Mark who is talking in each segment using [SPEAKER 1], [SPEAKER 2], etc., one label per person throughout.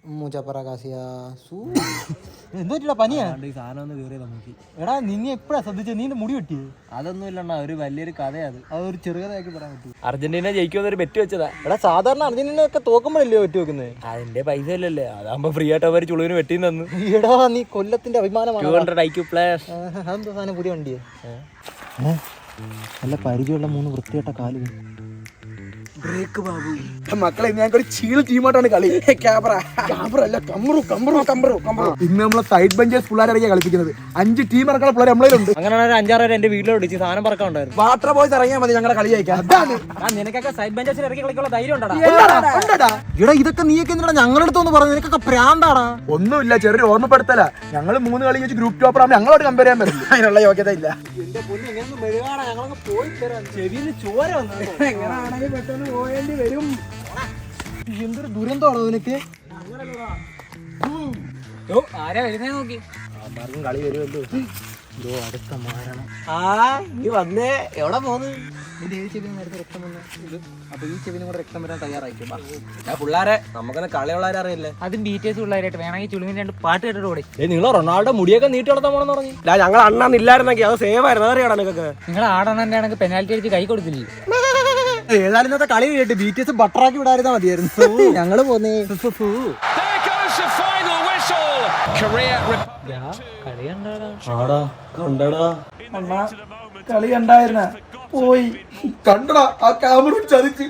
[SPEAKER 1] എന്തോട്ടാ പനിയാ? എടാ നിന്നെ എപ്പോഴാ ശ്രദ്ധിച്ചത്? നീ മുടി വെട്ടിയത്?
[SPEAKER 2] അതൊന്നും ഇല്ലണ്ണ, ഒരു വലിയൊരു കഥയത്.
[SPEAKER 1] അതൊരു ചെറുകഥയാക്കി പറയാൻ പറ്റും.
[SPEAKER 2] അർജന്റീന ജയിക്കുമെന്നൊരു ബെറ്റ് വെച്ചതാ.
[SPEAKER 1] എടാ സാധാരണ അർജന്റീന ഒക്കെ തോക്കുമ്പോഴല്ലേ വെട്ടി വെക്കുന്നത്?
[SPEAKER 2] അതിന്റെ പൈസ ഇല്ലല്ലേ, അതാകുമ്പോ ഫ്രീ ആയിട്ട് അവർ ചുളുവിന് വെട്ടി തന്നു.
[SPEAKER 1] എടാ നീ കൊല്ലത്തിന്റെ അഭിമാനമാണ്.
[SPEAKER 2] 200 IQ പ്ലേയേഴ്സ്.
[SPEAKER 1] അതെന്താ സാധനം? പുതിയ വണ്ടിയെ നല്ല പരിചയമുള്ള 3 വൃത്തികെട്ട കാലുകൾ.
[SPEAKER 3] ബ്രേക്ക് ബാബു മക്കളെ, ഞങ്ങൾക്ക് ഒരു ചീള് ടീമായിട്ടാണ് കളി. ക്യാമറ കമ്പറു. ഇന്ന് നമ്മളെ സൈഡ് ബെഞ്ചേഴ്സ് പിള്ളേരെ കളിപ്പിക്കുന്നത്. 5 ടീം ഇറക്കുന്ന പിള്ളേർ നമ്മളുണ്ട്.
[SPEAKER 2] അങ്ങനെ 5-6 പേര് എന്റെ വീട്ടിൽ വിളിച്ച് സാധനം പറക്കാണ്ടായിരുന്നു.
[SPEAKER 3] വാട്ടർ ബോയ്സ് ഇറങ്ങിയാൽ മതി ഞങ്ങളുടെ കളി ജയിക്കാൻ.
[SPEAKER 2] നിനക്കൊക്കെ സൈഡ് ബെഞ്ചേഴ്സിൽ ഇറക്കി കളിക്കാനുള്ള ധൈര്യം ഉണ്ടാ?
[SPEAKER 1] എടാ ഇതൊക്കെ നീയൊക്കെ എന്തിനാ ഞങ്ങളുടെ അടുത്തൊന്ന് പറഞ്ഞു? നിനക്കൊക്കെ പ്രാന്താടാ.
[SPEAKER 3] ഒന്നുമില്ല, ചെറിയ ഓർമ്മപ്പെടുത്തല. ഞങ്ങൾ 3 കളി വെച്ച് ഗ്രൂപ്പ് ടോപ്പർ ആകുമ്പോൾ ഞങ്ങളോട് കമ്പയർ ചെയ്യാൻ പറ്റില്ല. അതിനുള്ള യോഗ്യത ഇല്ല. പോയേണ്ടി വരും.
[SPEAKER 1] എന്തൊരു ദുരന്തമാണോ നിനക്ക്?
[SPEAKER 2] ആരാ വരുന്നേ നോക്കി.
[SPEAKER 3] കളി വരുമല്ലോ.
[SPEAKER 1] അടുത്ത മാരണം.
[SPEAKER 2] നീ വന്നേ, എവിടെ പോന്ന്?
[SPEAKER 1] എന്റെ ഈ ചെവിന് നേരത്തെ രക്തം വന്നു. അപ്പൊ ഈ ചെവിനും കൂടെ രക്തം വരാൻ തയ്യാറായിക്കും.
[SPEAKER 2] പിള്ളേരെ നമുക്കെന്നെ കളിയുള്ളവരെ അറിയില്ലേ?
[SPEAKER 4] അതും BTS പിള്ളേരായിട്ട് വേണമെങ്കിൽ ചുളുവിന് 2 പാട്ട് കേട്ടിട്ട് കൂടെ.
[SPEAKER 2] നിങ്ങൾ റൊണാൾഡോ മുടിയൊക്കെ നീട്ടി വളർത്താൻ പോണെന്ന് പറഞ്ഞു.
[SPEAKER 3] ഞങ്ങൾ അണ്ണാന്ന് ഇല്ലായിരുന്നെങ്കിൽ അത് സേവ് ആയിരുന്നു. അതറിയാടാ നിങ്ങൾക്ക്?
[SPEAKER 4] നിങ്ങൾ ആടണന്റെ ആണെങ്കിൽ പെനാൽറ്റി അടിച്ച് കൈ കൊടുക്കില്ലേ?
[SPEAKER 1] ഏതായാലും ഇന്നത്തെ കളി കേട്ട് BTS ബട്ടറാക്കി വിടായിരുന്നാ മതിയായിരുന്നു. ഞങ്ങള് പോന്നേ.
[SPEAKER 3] കളി കണ്ടായിരുന്ന പോയി കണ്ടടാ. ആ ക്യാമറ ചതിച്ച്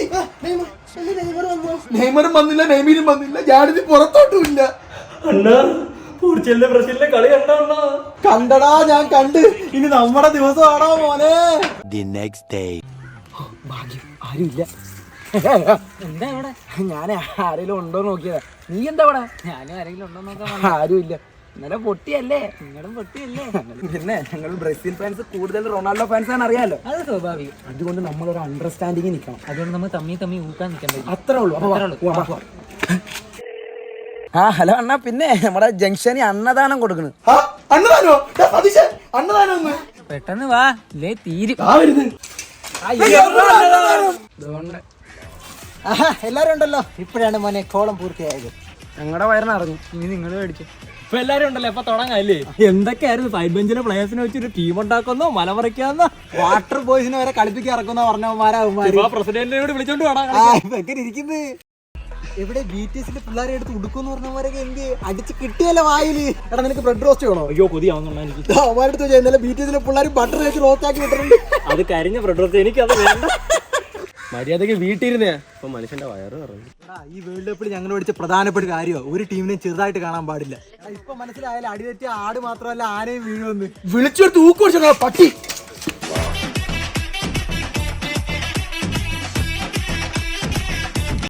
[SPEAKER 3] നെയ്മറും വന്നില്ല, നെയ്മീനും വന്നില്ല, ജാഡിന് പുറത്തോട്ടും ഇല്ല.
[SPEAKER 2] ബ്രസീലിന്റെ കളി
[SPEAKER 1] കണ്ടടാ, ഞാൻ കണ്ട്. ഇനി നമ്മുടെ ദിവസമാണോ മോനെ?
[SPEAKER 3] ഭാഗ്യം ആരുമില്ല.
[SPEAKER 4] എന്താ ഇവിടെ?
[SPEAKER 3] ഞാൻ ആരെങ്കിലും ഉണ്ടോ നോക്കിയതാ. നീ എന്താ ഇവിടെ?
[SPEAKER 4] ഞാനും ആരെങ്കിലും ഉണ്ടോ നോക്കാൻ.
[SPEAKER 3] ആരുമില്ല. ഇന്നലെ പൊട്ടിയല്ലേ?
[SPEAKER 4] നിങ്ങളും പൊട്ടിയല്ലേ?
[SPEAKER 3] പിന്നെ ഞങ്ങൾ ബ്രസീൽ ഫാൻസ് കൂടുതൽ റൊണാൾഡോ ഫാൻസ് ആണ്, അറിയാലോ.
[SPEAKER 4] അത് സ്വാഭാവികം.
[SPEAKER 3] അതുകൊണ്ട് നമ്മളൊരു അണ്ടർസ്റ്റാൻഡിങ് നിൽക്കണം.
[SPEAKER 4] അതുകൊണ്ട് നമ്മൾ തമ്മി ഊക്കാൻ നിൽക്കാൻ.
[SPEAKER 3] അത്രേ ഉള്ളൂ. ഹലോ അണ്ണാ, പിന്നെ നമ്മുടെ ജംഗ്ഷനിൽ അന്നദാനം കൊടുക്കണ്.
[SPEAKER 4] പെട്ടെന്ന് വാ, ഇല്ലേ തീരും.
[SPEAKER 1] എല്ലാരും ഉണ്ടല്ലോ. ഇപ്പോഴാണ് മോനെ കോളം പൂർത്തിയായത്.
[SPEAKER 3] ഞങ്ങളുടെ വയറിനറിഞ്ഞു.
[SPEAKER 4] ഇനി നിങ്ങൾ മേടിച്ചു.
[SPEAKER 2] ഇപ്പൊ എല്ലാരും ഉണ്ടല്ലോ, ഇപ്പൊ തുടങ്ങാല്ലേ? എന്തൊക്കെയായിരുന്നു സൈഡ് ബെഞ്ചിലെ പ്ലേയേഴ്സിനെ വെച്ചൊരു ടീം ഉണ്ടാക്കുന്നോ, മല മറിക്കാന്നോ,
[SPEAKER 1] വാട്ടർ ബോയ്സിനെ വരെ കളിപ്പിക്കാൻ ഇറക്കുന്ന പറഞ്ഞവന്മാരാ.
[SPEAKER 2] പ്രസിഡന്റിനോട് വിളിച്ചോണ്ട് വേണം.
[SPEAKER 1] ഇതൊക്കെ ഇരിക്കുന്നത് എവിടെ? BTSന്റെ പിള്ളേരെ എടുത്ത് ഉടുക്കുമെന്ന് പറഞ്ഞവരൊക്കെ എന്ത് അടിച്ച് കിട്ടിയല്ലോ വായില്. എടാ നിനക്ക് ബ്രെഡ് റോസ്റ്റ് വേണോ?
[SPEAKER 2] അയ്യോ കൊതിയാവുന്നുണ്ടോ എനിക്ക്.
[SPEAKER 1] അവന്മാരുടെ ഇന്നലെ BTSന്റെ പിള്ളേർ ബട്ടർ വെച്ച് റോസ്റ്റ് ആക്കി വിട്ടിട്ടുണ്ട്.
[SPEAKER 2] അത് കരിഞ്ഞ ബ്രെഡ് റോസ്റ്റ്, എനിക്കത് വേണ്ട. മര്യാദക്ക് വീട്ടിരുന്നേ. ഇപ്പൊ മനുഷ്യന്റെ വയറ് പറഞ്ഞു.
[SPEAKER 1] ഈ വേൾഡ് കപ്പിൽ ഞങ്ങൾ പഠിച്ച പ്രധാനപ്പെട്ട കാര്യമോ, ഒരു ടീമിനെ ചെറുതായിട്ട് കാണാൻ പാടില്ല. ഇപ്പൊ മനസ്സിലായാലും അടിതെറ്റിയ ആട് മാത്രമല്ല ആനയും വീഴുമെന്ന്.
[SPEAKER 3] വിളിച്ചൊരു തൂക്ക് പട്ടി.